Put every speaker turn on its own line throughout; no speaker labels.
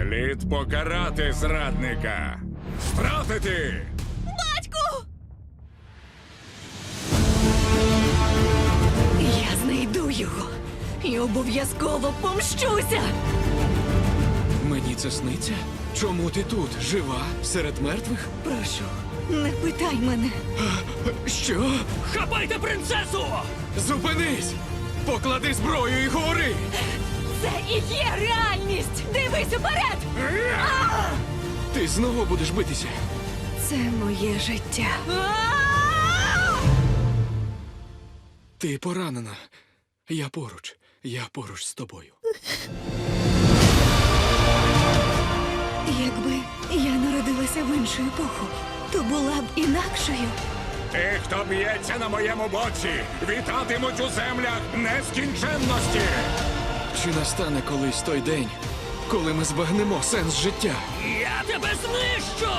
Слід покарати зрадника. Стратити!
Батьку! Я знайду його і обов'язково помщуся!
Мені це сниться? Чому ти тут? Жива? Серед мертвих?
Прошу, не питай мене.
Що?
Хапайте принцесу!
Зупинись! Поклади зброю і говори!
Це і є реальність! Дивись уперед!
Ти знову будеш битися?
Це моє життя.
Ти поранена. Я поруч. Я поруч з тобою.
Якби я народилася в іншу епоху, то була б інакшою.
Ті, хто б'ється на моєму боці, вітатимуть у землях нескінченності.
Чи настане колись той день, коли ми збагнемо сенс життя?
Я тебе знищу!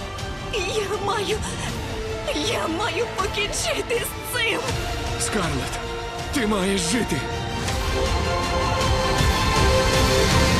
Я маю покінчити з цим!
Скарлетт, ти маєш жити!